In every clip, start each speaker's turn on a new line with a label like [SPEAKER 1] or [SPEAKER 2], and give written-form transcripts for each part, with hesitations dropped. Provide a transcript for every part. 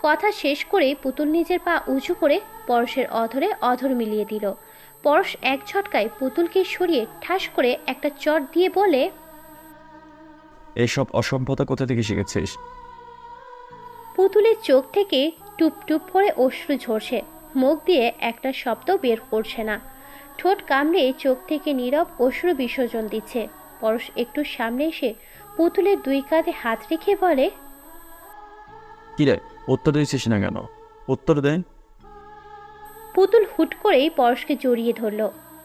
[SPEAKER 1] কথা শেষ করে পুতুল নিজের পা উঁচু করে পরশের অধরে অধর মিলিয়ে দিল। পরশ এক ঝটকায় পুতুলকে সরিয়ে ঠাস করে একটা চট দিয়ে বলে,
[SPEAKER 2] এসব অসভ্যতা কোথা থেকে শিখেছিস?
[SPEAKER 1] পুতুলের চোখ থেকে টুপ টুপ করে অশ্রু ঝরছে, মুখ দিয়ে একটা শব্দ বের করছে না, ঠোঁট কামড়ে চোখ থেকে নীরব অশ্রু বিসর্জন দিচ্ছে। পরশ একটু সামনে এসে পুতুলের দুই কাঁধে হাত রেখে বলে,
[SPEAKER 2] কিরে, উত্তর দিচ্ছিস না কেন? উত্তর দে।
[SPEAKER 1] পুতুল হুট করেই পরশকে জড়িয়ে ধরল।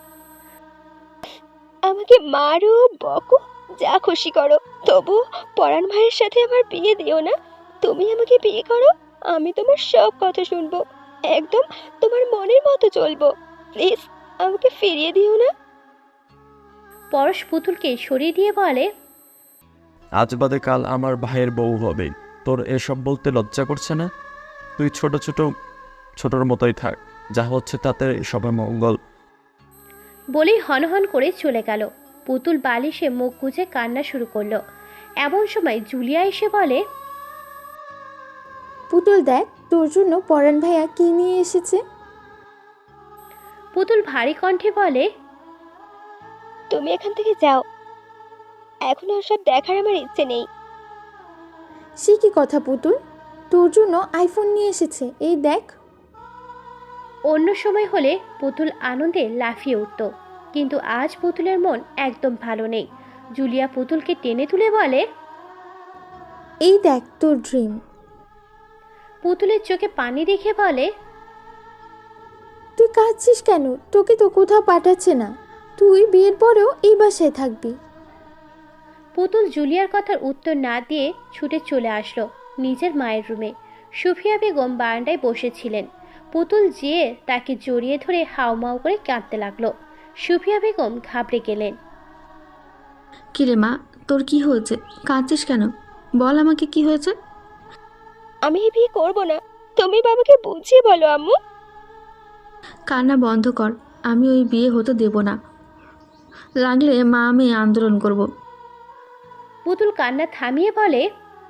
[SPEAKER 3] আমাকে মারো, বকো, যা খুশি করো, তবু পরাণ ভাইয়ের সাথে আমার বিয়ে দিও না। তুমি আমাকে বিয়ে করো, আমি তোমার সব কথা শুনবো, একদম তোমার মনের মতো চলবো। প্লিজ আমাকে ফিরিয়ে দিও না।
[SPEAKER 1] পরশ পুতুলকে সরিয়ে দিয়ে বলে,
[SPEAKER 2] আজ বাদে কাল আমার ভাইয়ের বউ হবে, তোর এসব বলতে লজ্জা করছে না? তুই ছোটর মতোই থাক, যা হচ্ছে তাতে সবার মঙ্গল।
[SPEAKER 1] বলেই হনহন করে চলে গেল। পুতুল বালিশে মুখ গুজে কান্না শুরু করলো। এমন সময় জুলিয়া এসে বলে,
[SPEAKER 4] পুতুল দেখ, তোর জন্য পরাণ ভাইয়া কি নিয়ে এসেছে।
[SPEAKER 1] পুতুল ভারী কণ্ঠে বলে,
[SPEAKER 3] তুমি এখান থেকে যাও, এখন ওসব দেখার আমার ইচ্ছে নেই।
[SPEAKER 4] সে কি কথা পুতুল, তোর জন্য আইফোন নিয়ে এসেছে, এই দেখ।
[SPEAKER 1] অন্য সময় হলে পুতুল আনন্দে লাফিয়ে উঠত, কিন্তু আজ পুতুলের মন একদম ভালো নেই। জুলিয়া পুতুলকে টেনে তুলে বলে,
[SPEAKER 4] এই দেখ তোর ড্রিম।
[SPEAKER 1] পুতুলের চোখে পানি রেখে বলে,
[SPEAKER 4] তুই কাঁদছিস কেন, তোকে তো কোথাও পাঠাচ্ছে না, তুই বিয়ের পরেও এই বাসায় থাকবি।
[SPEAKER 1] পুতুল জুলিয়ার কথার উত্তর না দিয়ে ছুটে চলে আসলো নিজের মায়ের রুমে। সুফিয়া বেগম বারান্দায় বসেছিলেন। পুতুল যেয়ে তাকে জড়িয়ে ধরে হাউমাউ করে কাঁদতে লাগলো। সুফিয়া বেগম ঘাবড়ে গেলেন।
[SPEAKER 5] কিরে মা, তোর কি হয়েছে? কাঁদছিস কেন? বল আমাকে কি হয়েছে।
[SPEAKER 3] আমি এই বিয়ে করবো না, তুমি বাবাকে বুঝিয়ে বলো আম্মু।
[SPEAKER 5] কান্না বন্ধ কর, আমি ওই বিয়ে হতে দেব না, লাগলে মা আমি আন্দোলন করব।
[SPEAKER 1] পুতুল কান্না থামিয়ে বলে,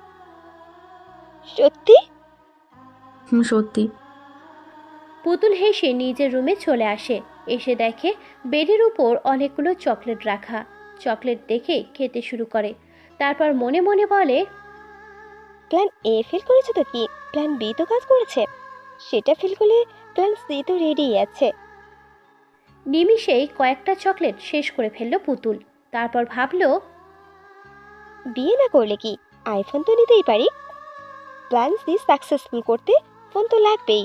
[SPEAKER 3] সত্যি?
[SPEAKER 5] সত্যি।
[SPEAKER 1] পুতুল হেসে নিজের রুমে চলে আসে। এসে দেখে বেডের উপর অনেকগুলো চকলেট রাখা। চকলেট দেখে খেতে শুরু করে, তারপর মনে মনে বলে,
[SPEAKER 3] প্ল্যান এ ফেল করেছে তো কি, প্ল্যান বি তো কাজ করেছে, সেটা ফেল করলে প্ল্যান সি তো রেডি আছে।
[SPEAKER 1] নিমিষেই কয়েকটা চকলেট শেষ করে ফেলল পুতুল। তারপর ভাবলো,
[SPEAKER 3] বিয়ে না করলে কি আইফোন তো নিতেই পারি, প্ল্যান সি সাকসেসফুল করতে ফোন তো লাগবেই।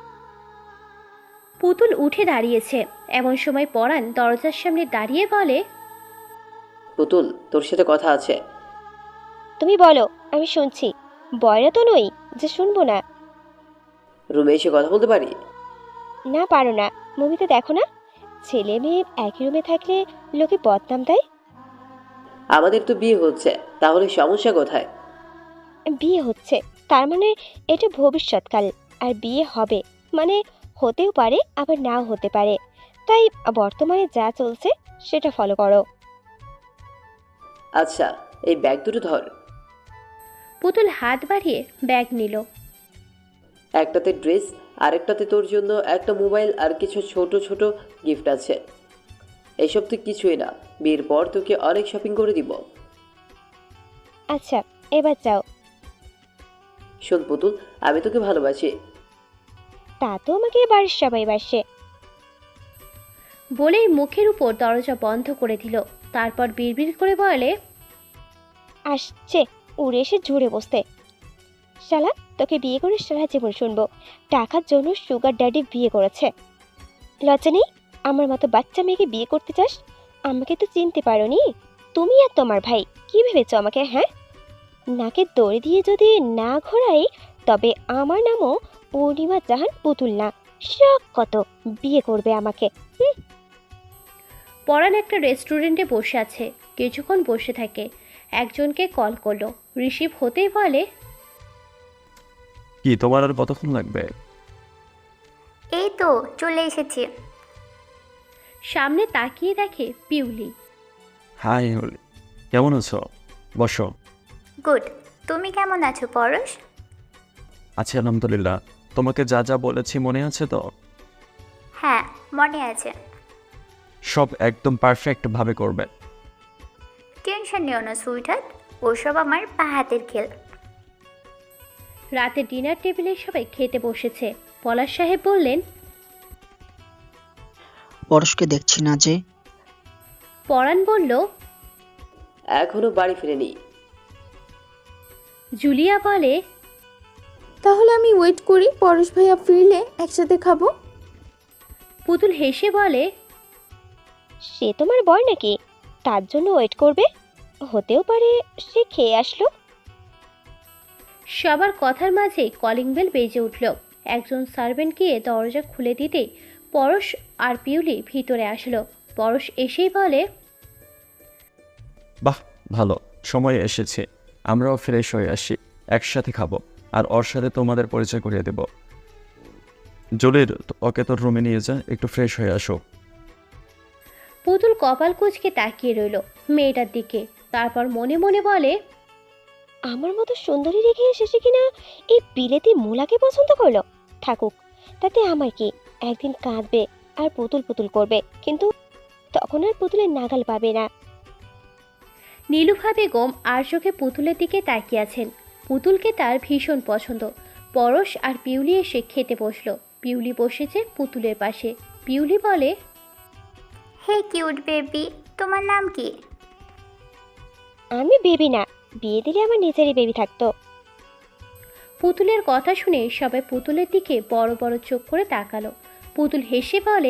[SPEAKER 1] পুতুল উঠে দাঁড়িয়েছে। এমন সময় পরাণ দরজার সামনে দাঁড়িয়ে বলে,
[SPEAKER 6] পুতুল, তোর সাথে কথা আছে।
[SPEAKER 3] তুমি বলো, আমি শুনছি। বয়রা তো নই যে শুনবো না।
[SPEAKER 6] রুমে এসে কথা বলতে পারি?
[SPEAKER 3] না পারো না, মুভিতে দেখো না, ছেলে মেয়ে একই রুমে থাকলে লোকে বদনাম দেয়।
[SPEAKER 6] আমাদের তো বিয়ে হচ্ছে, তাহলে সমস্যা কোথায়?
[SPEAKER 3] বিয়ে হচ্ছে তার মানে এটা ভবিষ্যৎকাল, আর বিয়ে হবে মানে হতেও পারে আবার নাও হতে পারে, তাই বর্তমানে যা চলছে সেটা ফলো করো।
[SPEAKER 6] আচ্ছা, এই ব্যাগ দুটো ধর।
[SPEAKER 1] পুতুল হাত বাড়িয়ে ব্যাগ নিল।
[SPEAKER 6] একটাতে ড্রেস, আরেকটাতে তোর জন্য একটা মোবাইল আর কিছু ছোট ছোট গিফট আছে। এইসব তো কিছুই না, বিয়ের পর তোকে অনেক শপিং করে দিব।
[SPEAKER 3] আচ্ছা, এবার যাও।
[SPEAKER 6] শোন পুতুল, আমি তোকে ভালোবাসি।
[SPEAKER 3] তা তো আমাকে বাড়ির সবাই বাসে।
[SPEAKER 1] বলেই মুখের উপর দরজা বন্ধ করে দিল। তারপর বিড়বিড় করে বলে,
[SPEAKER 3] আসছে উড়ে এসে ঝুড়ে বসতে। শালা, তোকে বিয়ে করে সারা জীবন শুনবো টাকার জন্য সুগার ড্যাডি বিয়ে করেছে। লজ্জা নেই? আমার মতো বাচ্চা মেয়েকে বিয়ে করতে চাস? আমাকে তো চিনতে পারোনি। তুমি আর তোমার ভাই কি ভেবেছো আমাকে, হ্যাঁ? নাকে দড়ি দিয়ে যদি না ঘোরাই তবে আমার নামও পূর্ণিমা জাহান পুতুল না। শখ কত বিয়ে করবে আমাকে।
[SPEAKER 1] পরাণ একটা রেস্টুরেন্টে বসে আছে। কিছুক্ষণ বসে থাকে, একজনকে কল করলো। রিসিভ হতেই বলে,
[SPEAKER 2] কি তোমার আর কতক্ষণ লাগবে?
[SPEAKER 7] এই তো চলে এসেছি।
[SPEAKER 1] সামনে তাকিয়ে দেখে পিউলি।
[SPEAKER 2] হাই হলি, কেমন আছো? বসো।
[SPEAKER 7] গুড। তুমি কেমন আছো পরশ?
[SPEAKER 2] আচ্ছা আলহামদুলিল্লাহ। তোমাকে যা যা বলেছি মনে আছে তো?
[SPEAKER 7] হ্যাঁ, মনে আছে।
[SPEAKER 2] সব একদম পারফেক্টভাবে করবে।
[SPEAKER 7] টেনশন নিও না সুইটহার্ট, ওসব আমার পা হাতের খেল।
[SPEAKER 1] রাতে ডিনার টেবিলে সবাই খেতে বসেছে। পলাশ সাহেব বললেন,
[SPEAKER 8] পরশকে দেখছি না যে।
[SPEAKER 1] পরাণ বলল,
[SPEAKER 6] এখনো বাড়ি ফিরেনি।
[SPEAKER 1] জুলিয়া বলে,
[SPEAKER 4] তাহলে আমি ওয়েট করি, পরশ ভাইয়া ফিরলে একসাথে খাবো।
[SPEAKER 1] পুতুল হেসে বলে,
[SPEAKER 3] সে তোমার বর নাকি, তার জন্য ওয়েট করবে? হতেও পারে সে খেয়ে আসলো।
[SPEAKER 1] সবার কথার মাঝে কলিং বেল বেজে উঠল। একজন সার্ভেন্ট গিয়ে দরজা খুলে দিতেই পরশ আর পিউলি ভিতরে আসলো। পরশ এসেই বলে,
[SPEAKER 2] বাহ, ভালো সময় এসেছে। আমরাও ফ্রেশ হয়ে আসি, একসাথে খাবো। আর ওর সাথে তোমাদের পরিচয় করিয়ে দেব। জলির, ওকে তোর রুমে নিয়ে যা, একটু ফ্রেশ হয়ে আসো।
[SPEAKER 1] পুতুল কপাল কুঁচকে তাকিয়ে রইল মেয়েটার দিকে। তারপর মনে মনে বলে,
[SPEAKER 3] আমার মতো সুন্দরী রেখে এসেছে কিনা এই বিলেতি মুলাকে পছন্দ করলো। থাকুক, তাতে আমার কি। একদিন কাঁদবে আর পুতুল পুতুল করবে, কিন্তু তখন আর পুতুলের নাগাল পাবে না।
[SPEAKER 1] নীলুফা বেগম আর চোখে পুতুলের দিকে তাকিয়ে আছেন। পুতুলকে তার ভীষণ পছন্দ। পরশ আর পিউলি এসে খেতে বসলো। পিউলি বসেছে পুতুলের পাশে। পিউলি বলে,
[SPEAKER 7] হে কিউট বেবি, তোমার নাম কি?
[SPEAKER 3] আমি বেবি না, বিয়ে দিলে আমার নিজেরই বেবি থাকতো।
[SPEAKER 1] পুতুলের কথা শুনে সবাই পুতুলের দিকে বড় বড় চোখ করে তাকালো। পুতুল হেসে বলে,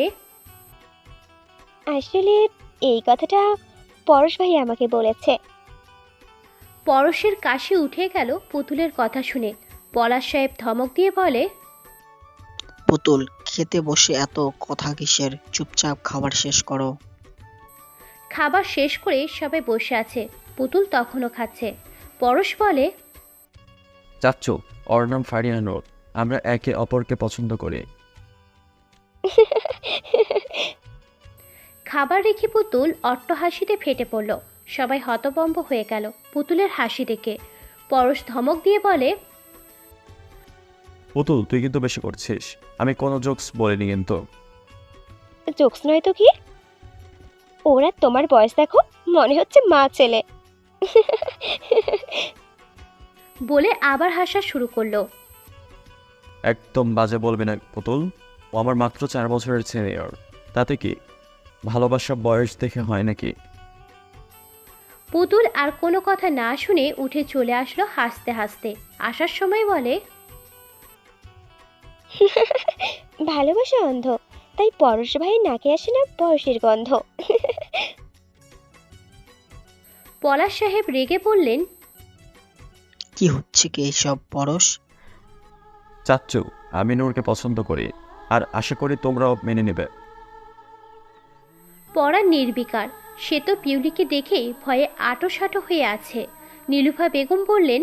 [SPEAKER 3] আসলে এই কথাটা পরশ ভাই আমাকে বলেছে।
[SPEAKER 1] পরশের কাশি উঠে গেল পুতুলের কথা শুনে। পলাশ সাহেব ধমক দিয়ে বলে,
[SPEAKER 8] পুতুল, খেতে বসে এত কথা কিসের? চুপচাপ খাবার শেষ করো।
[SPEAKER 1] খাবার শেষ করে সবাই বসে আছে। পুতুল তখনও খাচ্ছে। পরশ বলে,
[SPEAKER 2] চাচ্চু, ওর নাম ফারিয়া নূর। আমরা একে অপরকে পছন্দ করি।
[SPEAKER 1] খাবার রেখে পুতুল অট্টহাসিতে ফেটে পড়ল। সবাই হতভম্ব হয়ে গেল পুতুলের হাসি দেখে। পরশ ধমক দিয়ে বলে,
[SPEAKER 2] পুতুল, তুই কিন্তু বেশি করছিস। আমি কোনো জোকস বলিনি কিন্তু।
[SPEAKER 3] জোকস নয় তো কি? ওরা তোমার বয়স দেখো, মনে হচ্ছে মা ছেলে।
[SPEAKER 1] বলে আবার হাসা শুরু করলো।
[SPEAKER 2] একদম বাজে বলবি না পুতুল। ও আমার মাত্র 4 বছরের সিনিয়র। তাতে কি? ভালোবাসা বয়স দেখে হয় নাকি?
[SPEAKER 1] পুতুল আর কোনো কথা না শুনে উঠে চলে আসলো হাসতে হাসতে। আসার সময় বলে,
[SPEAKER 3] ভালোবাসা অন্ধ, তাই পরশ ভাই নাকে আসে না বয়সের গন্ধ।
[SPEAKER 1] পলাশ সাহেব রেগে বললেন,
[SPEAKER 8] কি হচ্ছে কি এইসব পরশ?
[SPEAKER 2] চাচ্চু, আমি নূরকে পছন্দ করি, আর আশা করি তোমরাও মেনে নেবে।
[SPEAKER 1] পড়া নির্বিকার। সে তো পিউলিকে দেখেই ভয়ে আটোসাটো হয়ে আছে। নীলুফা বেগম বললেন,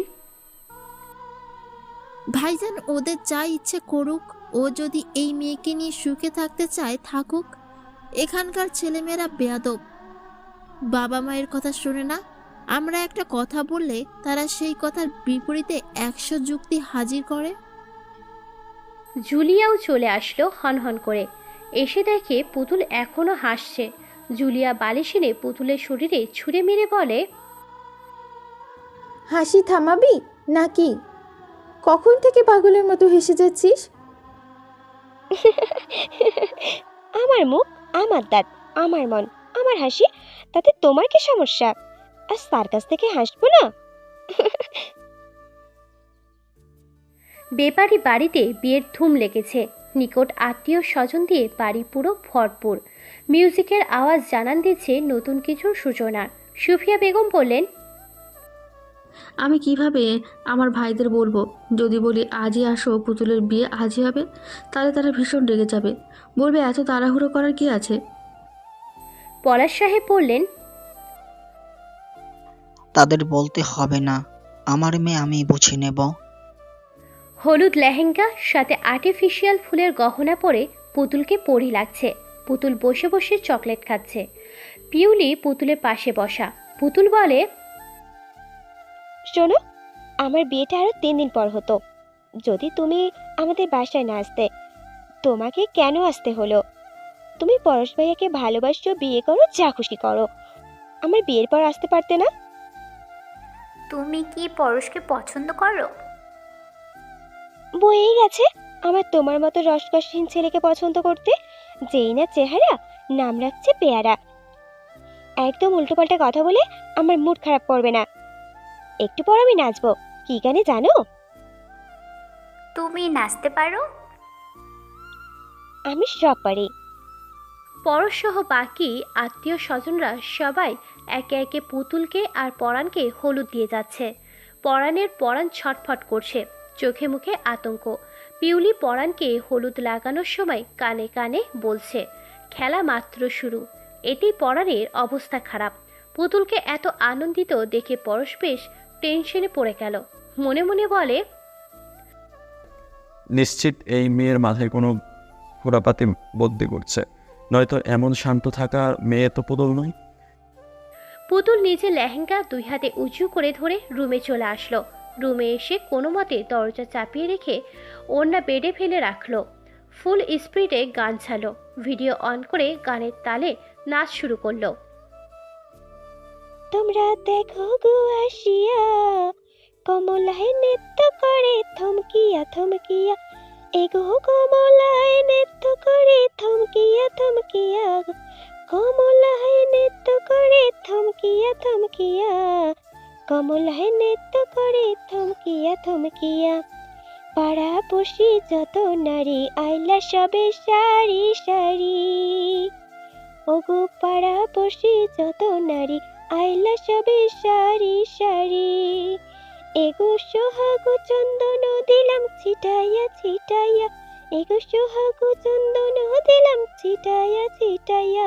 [SPEAKER 9] ভাইজান ওদের যা ইচ্ছে করুক, ও যদি এই মেয়েকে নিয়ে সুখে থাকতে চায় থাকুক। এখানকার ছেলেমেয়েরা বেয়াদব, বাবা মায়ের কথা শোনে না। আমরা একটা কথা বললে তারা সেই কথার বিপরীতে 100 যুক্তি হাজির করে।
[SPEAKER 1] জুলিয়াও চলে আসলো হনহন করে। এসে দেখে পুতুল এখনো হাসছে। জুলিয়া বালিশ এনে পুতুলের শরীরে ছুঁড়ে মেরে বলে,
[SPEAKER 4] হাসি থামাবি নাকি? কখন থেকে পাগলের মতো হেসে যাচ্ছিস?
[SPEAKER 3] আমার মুখ, আমার দাঁত, আমার মন, আমার হাসি, তাতে তোমার কি সমস্যা? আর তার কাছ থেকে হাসবো না?
[SPEAKER 1] বেপারি বাড়িতে বিয়ের ধুম লেগেছে। নিকট আত্মীয় স্বজন দিয়ে বাড়ি পুরো ভরপুর। মিউজিকের আওয়াজ জানান দিচ্ছে নতুন কিছুর সূচনা। সুফিয়া বেগম বললেন,
[SPEAKER 5] আমি কিভাবে আমার ভাইদের বলবো? যদি বলি আজই আসো, পুতুলের বিয়ে আজই হবে, তাহলে তারা ভীষণ রেগে যাবে। বলবে এত তাড়াহুড়ো করার কি আছে।
[SPEAKER 1] পলাশ সাহেব বললেন,
[SPEAKER 8] তাদের বলতে হবে না, আমার মেয়ে আমি বুঝে নেব।
[SPEAKER 1] হলুদ লেহেঙ্গা সাথে আর্টিফিশিয়াল ফুলের গহনা পরে পুতুলকে পরি লাগছে। পুতুল বসে বসে চকলেট খাচ্ছে। পিউলি পুতুলের পাশে বসা। পুতুল বলে,
[SPEAKER 3] শোনো, আমার বিয়েটা আরো 3 দিন পর হতো, যদি তুমি আমাদের বাসায় না আসতে, তোমাকে কেন আসতে হলো? তুমি পরশ ভাইয়াকে ভালোবাসো, বিয়ে করো, যা খুশি করো, আমার বিয়ের পর আসতে পারতে না?
[SPEAKER 7] তুমি কি পরশকে পছন্দ করো?
[SPEAKER 3] বয়েই গেছে আমার তোমার মতো রসকসহীন ছেলেকে পছন্দ করতে। যেই না চেহারা, নাম রাখছে পেয়ারা। একদম উল্টোপাল্টা কথা বলে আমার মুড খারাপ করবে না। একটু পর আমি নাচবো। কি গানে জানো?
[SPEAKER 7] তুমি নাচতে পারো?
[SPEAKER 3] আমি সব পারি।
[SPEAKER 1] পরশসহ বাকি আত্মীয় স্বজনরা সবাই একে একে পুতুলকে আর পরাণকে হলুদ দিয়ে যাচ্ছে। পরাণ ছটফট করছে, চোখে মুখে আতঙ্ক। পিউলি পরাণকে হলুদ লাগানোর সময় কানে কানে বলছে, খেলা মাত্র শুরু। এতেই পরাণের অবস্থা খারাপ। পুতুলকে এত আনন্দিত দেখে পরশ বেশ টেনশনে পড়ে গেল। মনে মনে বলে,
[SPEAKER 2] নিশ্চিত এই মেয়ের মাথায় কোনো ঘোরাপাতি বুদ্ধি করছে, নয়তো এমন শান্ত থাকা মেয়ে তো পুতুল নয়।
[SPEAKER 1] পুতুল নিজে লেহেঙ্গা 2 হাতে উঁচু করে ধরে রুমে চলে আসলো। রুমে এসে কোনো মতে দরজা চাপিয়ে রেখে ওড়না বেডে ফেলে রাখলো। ফুল স্পিডে গান ছাড়লো। ভিডিও অন করে গানের তালে নাচ শুরু করলো।
[SPEAKER 3] তোমরা দেখো গো আসিয়া, কমলায় নৃত্য করে থমকিয়া থমকিয়া। এগো কমলায় নৃত্য করে থমকিয়া থমকিয়া। কমলায় নৃত্য করে থমকিয়া থমকিয়া। কমলায় নৃত্য করে থমকিয়া থমকিয়া। পাড়া পড়শি যত নারী আইলা সবে সারি সারি। ওগো পাড়া পড়শি যত নারী আইলা সবে সারি সারি। এগো সোহাগ চন্দন দিলাম ছিটাইয়া ছিটাইয়া। এগো সোহাগ চন্দন দিলাম ছিটাইয়া ছিটাইয়া।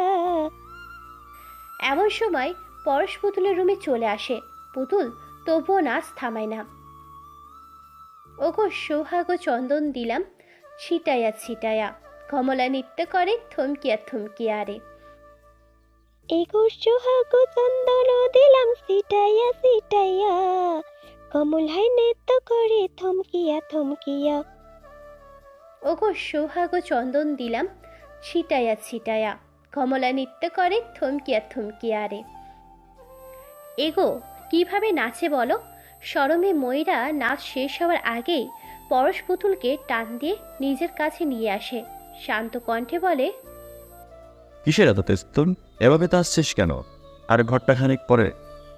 [SPEAKER 1] এমন সময় পরশ পুতুলের রুমে চলে আসে। পুতুল তবুও নাচ থামায় না। ওগো সোহাগ চন্দন দিলাম ছিটাইয়া ছিটাইয়া। কমলা নৃত্য করে থমকিয়া থমকিয়া রে।
[SPEAKER 3] এগো সোহাগ চন্দন দিলাম ছিটাইয়া ছিটাইয়া। কমলায় নৃত্য করে থমকিয়া থমকিয়া।
[SPEAKER 1] ওগো সোহাগ চন্দন দিলাম ছিটাইয়া ছিটাইয়া। কমলা নৃত্য করে থমকিয়া থমকিয়া রে। এগো কিভাবে নাচে বলো? শরমে ময়রা নাচ শেষ হওয়ার আগেই পরশ পুতুলকে টান দিয়ে নিজের কাছে নিয়ে আসে। শান্ত কণ্ঠে বলে,
[SPEAKER 2] কিসের এত তেস্তুন? এভাবে তো আসছিস কেন? আর ঘরটা খানিক পরে।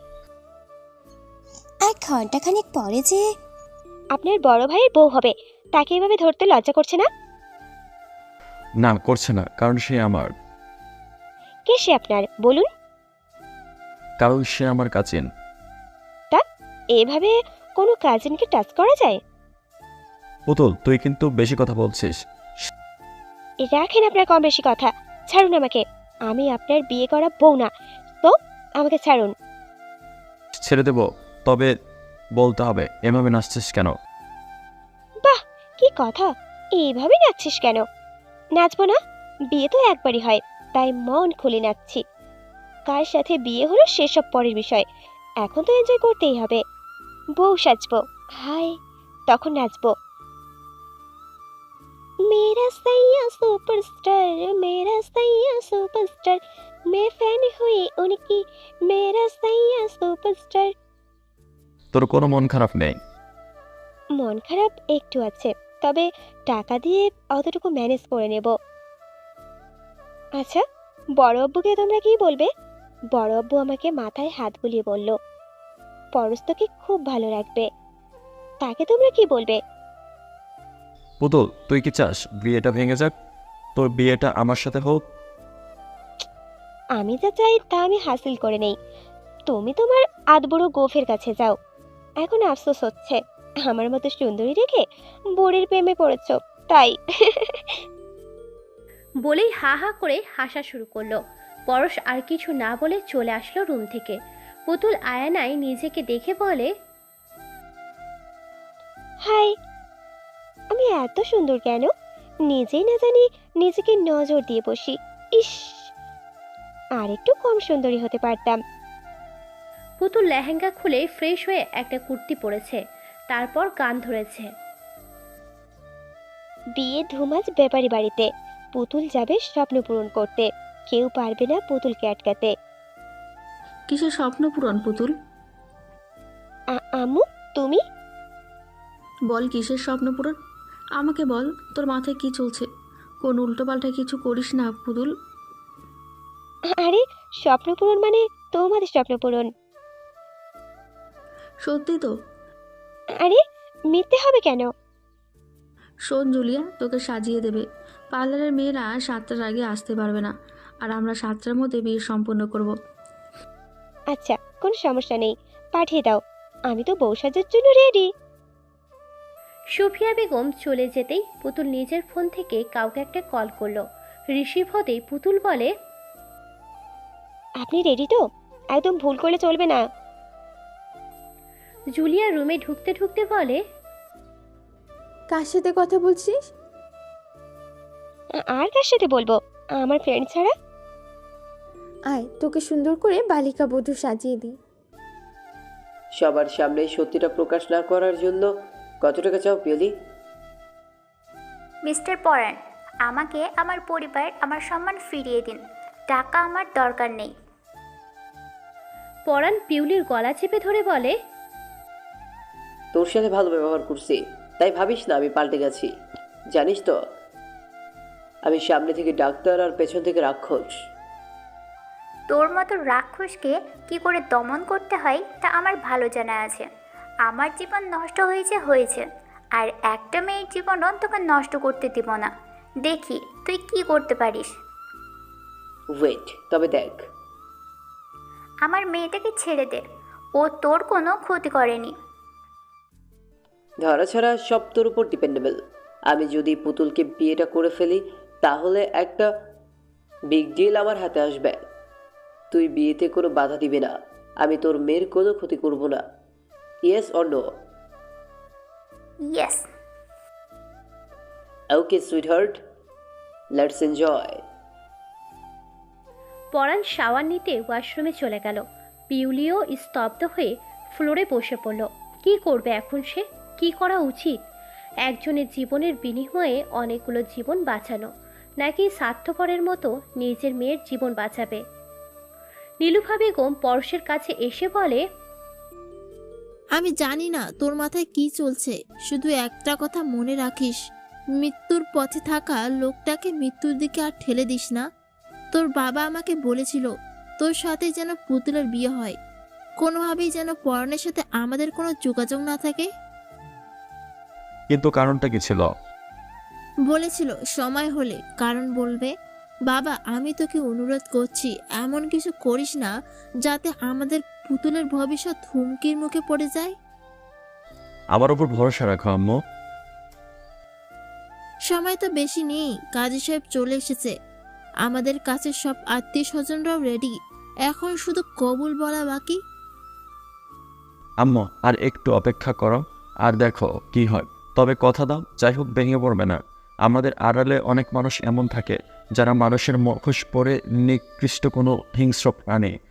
[SPEAKER 3] আর ঘন্টাখানেক পরে যে আপনার বড় ভাইয়ের বউ হবে, তাকে এভাবে ধরতে লজ্জা করছে না?
[SPEAKER 2] না, করছে না, কারণ সে আমার।
[SPEAKER 3] কে সে আপনার বলুন?
[SPEAKER 2] কারণ সে আমার কাজিন।
[SPEAKER 3] তা এভাবে কোনো কাজিনকে টাচ করা যায়?
[SPEAKER 2] পুতুল, তুই কিন্তু বেশি কথা বলছিস।
[SPEAKER 3] রাখেন আপনার কম বেশি কথা। ছাড়ুন আমাকে। আমি আপনার বিয়ে করা বউ না, তো আমাকে ছাড়ুন।
[SPEAKER 2] ছেড়ে দেব, তবে বলতে হবে এভাবে নাচছিস কেন?
[SPEAKER 3] বাহ, কি কথা! এইভাবে নাচছিস কেন? নাচবো না? বিয়ে তো একবারই হয়, তাই মন খুলে নাচছি। কার সাথে বিয়ে হলো সেসব পরের বিষয়। এখন তো এনজয় করতেই হবে। বউ সাজবো, হাই, তখন নাচবো। मेरा सैया सुपरस्टार, मेरा सैया सुपरस्टार, मैं फैन हुई उनकी, मेरा सैया सुपरस्टार।
[SPEAKER 2] তোর কোনো মন খারাপ নেই?
[SPEAKER 3] মন খারাপ একটু আছে, তবে টাকা দিয়ে অতটুকু ম্যানেজ করে নেব। আচ্ছা, বড় আব্বুকে তোমরা কি বলবে? বড় আব্বু আমাকে মাথায় হাত বুলিয়ে বলল, পরশ তোকে খুব ভালো রাখবে। তাকে তোমরা কি বলবে?
[SPEAKER 2] পুতুল, তুই কি চাস বিয়েটা ভেঙে যাক? তোর বিয়েটা আমার সাথে হোক।
[SPEAKER 3] আমি যা চাই তা আমি হাসিল করে নেই। তুমি তোমার আদবড় গোফের কাছে যাও। এখন আফসোস হচ্ছে, আমার মতো সুন্দরী রেখে বুড়ির প্রেমে পড়েছ, তাই।
[SPEAKER 1] বলেই হা হা করে হাসা শুরু করলো। পরশ আর কিছু না বলে চলে আসলো রুম থেকে। পুতুল আয়নায় নিজেকে দেখে বলে,
[SPEAKER 3] হাই, আমি এত সুন্দর কেন? নিজেই না জানি নিজেকে নজর দিয়ে বসি। ইস, আর একটু কম সুন্দরী হতে পারতাম।
[SPEAKER 1] পুতুল লেহেঙ্গা খুলে ফ্রেশ হয়ে একটা কুর্তি পরেছে, তারপর গান ধরেছে।
[SPEAKER 3] বিয়ে ধুমাজ ব্যাপারী বাড়িতে। পুতুল যাবে স্বপ্ন পূরণ করতে, কেউ পারবে না পুতুলকে আটকাতে।
[SPEAKER 5] কিসের স্বপ্ন পূরণ পুতুল?
[SPEAKER 3] আম্মু, তুমি?
[SPEAKER 5] বল কিসের স্বপ্ন পূরণ? আমাকে বল, তোর মাথায় কি চলছে? কোন উল্টোপাল্টা কিছু করিস না পুতুল।
[SPEAKER 3] আরে স্বপ্ন পূরণ মানে তোমাদের স্বপ্ন পূরণ।
[SPEAKER 5] সত্যি তো?
[SPEAKER 3] আরে মিথ্যে হবে কেন?
[SPEAKER 5] শোন জুলিয়া, তোকে সাজিয়ে দেবে। পার্লারের মেয়েরা 7টার আগে আসতে পারবে না, আর আমরা 7টার মধ্যে বিয়ে সম্পূর্ণ করব।
[SPEAKER 3] আচ্ছা, কোনো সমস্যা নেই, পাঠিয়ে দাও। আমি তো বউ সাজার জন্য রেডি।
[SPEAKER 1] সুফিয়া বেগম চলে যেতেই পুতুল নিজের ফোন থেকে কাউকে একটা কল করলো। রিসিভ হতেই পুতুল বলে,
[SPEAKER 3] আপনি রেডি তো? একদম ভুল করলে চলবে না।
[SPEAKER 1] জুলিয়া রুমে ঢুকতে ঢুকতে বলে,
[SPEAKER 4] কার সাথে কথা বলছিস?
[SPEAKER 3] আর কার সাথে বলবো, আমার ফ্রেন্ড ছাড়া।
[SPEAKER 4] আয়, তোকে সুন্দর করে বালিকা বধূ সাজিয়ে দিই।
[SPEAKER 6] সবার সামনে সত্যিটা প্রকাশ না করার জন্য কত টাকা চাও পিয়লি?
[SPEAKER 7] মিস্টার পরাণ, আমাকে আমার পরিবার আমার সম্মান ফিরিয়ে দিন। টাকা আমার দরকার নেই।
[SPEAKER 1] পরাণ পিউলির গলা চেপে ধরে বলে,
[SPEAKER 6] তোর সাথে ভালো ব্যবহার করছি, তাই ভাবিস না আমি পাল্টে গেছি। জানিস তো আমি সামনে থেকে ডাক্তার আর পেছন থেকে রাক্ষস।
[SPEAKER 7] তোর মতো রাক্ষসকে কি করে দমন করতে হয় তা আমার ভালো জানা আছে। আমার জীবন নষ্ট হয়েছে, আর একটা মেয়ের জীবনও তোকে নষ্ট করতে দিব না। দেখি তুই কি করতে পারিস।
[SPEAKER 6] ওয়েট, তবে দেখ।
[SPEAKER 7] আমার মেয়েটাকে ছেড়ে দে, ও তোর কোনো ক্ষতি করেনি।
[SPEAKER 6] ধরা ছাড়া সব তোর উপর ডিপেন্ডেবল। আমি যদি পুতুলকে বিয়েটা করে ফেলি তাহলে একটা বিগ ডিল আমার হাতে আসবে। তুই বিয়েতে কোনো বাধা দিবি না, আমি তোর মেয়ের কোনো ক্ষতি করব না। Yes or no?
[SPEAKER 7] Yes.
[SPEAKER 6] Okay sweetheart, let's enjoy.
[SPEAKER 1] Paran shower নিতে ওয়াশরুমে চলে গেল। পিউলিও স্তব্ধ হয়ে ফ্লোরে বসে পড়ল। কি করবে এখন সে? কি করা উচিত? একজনের জীবনের বিনিময়ে অনেকগুলো জীবন বাঁচানো, নাকি স্বার্থপরের মতো নিজের মেয়ের জীবন বাঁচাবে? নীলুফা বেগম পরশের কাছে এসে বলে,
[SPEAKER 9] আমি জানি না তোর মাথায় কি চলছে, শুধু একটা কথা মনে রাখিস, মৃত্যুর পথে থাকা লোকটাকে মৃত্যুর দিকে আর ঠেলে দিস না। তোর বাবা আমাকে বলেছিল তোর সাথে যেন পুতুলের বিয়ে হয়, কোনোভাবেই যেন পরনের সাথে আমাদের কোনো যোগাযোগ না থাকে।
[SPEAKER 2] কিন্তু কারণটা কি ছিল?
[SPEAKER 9] বলেছিল সময় হলে কারণ বলবে। বাবা, আমি তোকে অনুরোধ করছি, এমন কিছু করিস না যাতে আমাদের পুতুলের ভবিষ্যৎ হুমকির মুখে পড়ে যায়।
[SPEAKER 2] আমার উপর ভরসা রাখো আম্মু।
[SPEAKER 9] সময় তো বেশি নেই, কাজী সাহেব চলে এসেছে, আমাদের কাছে সব আত্মীয় স্বজনরাও রেডি, এখন শুধু কবুল বলা বাকি।
[SPEAKER 2] আম্মু আর একটু অপেক্ষা করো, আর দেখো কি হয়। তবে কথা দাও, যাই হোক ভেঙে পড়বে না। আমাদের আড়ালে অনেক মানুষ এমন থাকে যারা মানুষের মুখোশ পরে নিকৃষ্ট কোনো হিংস্র প্রাণী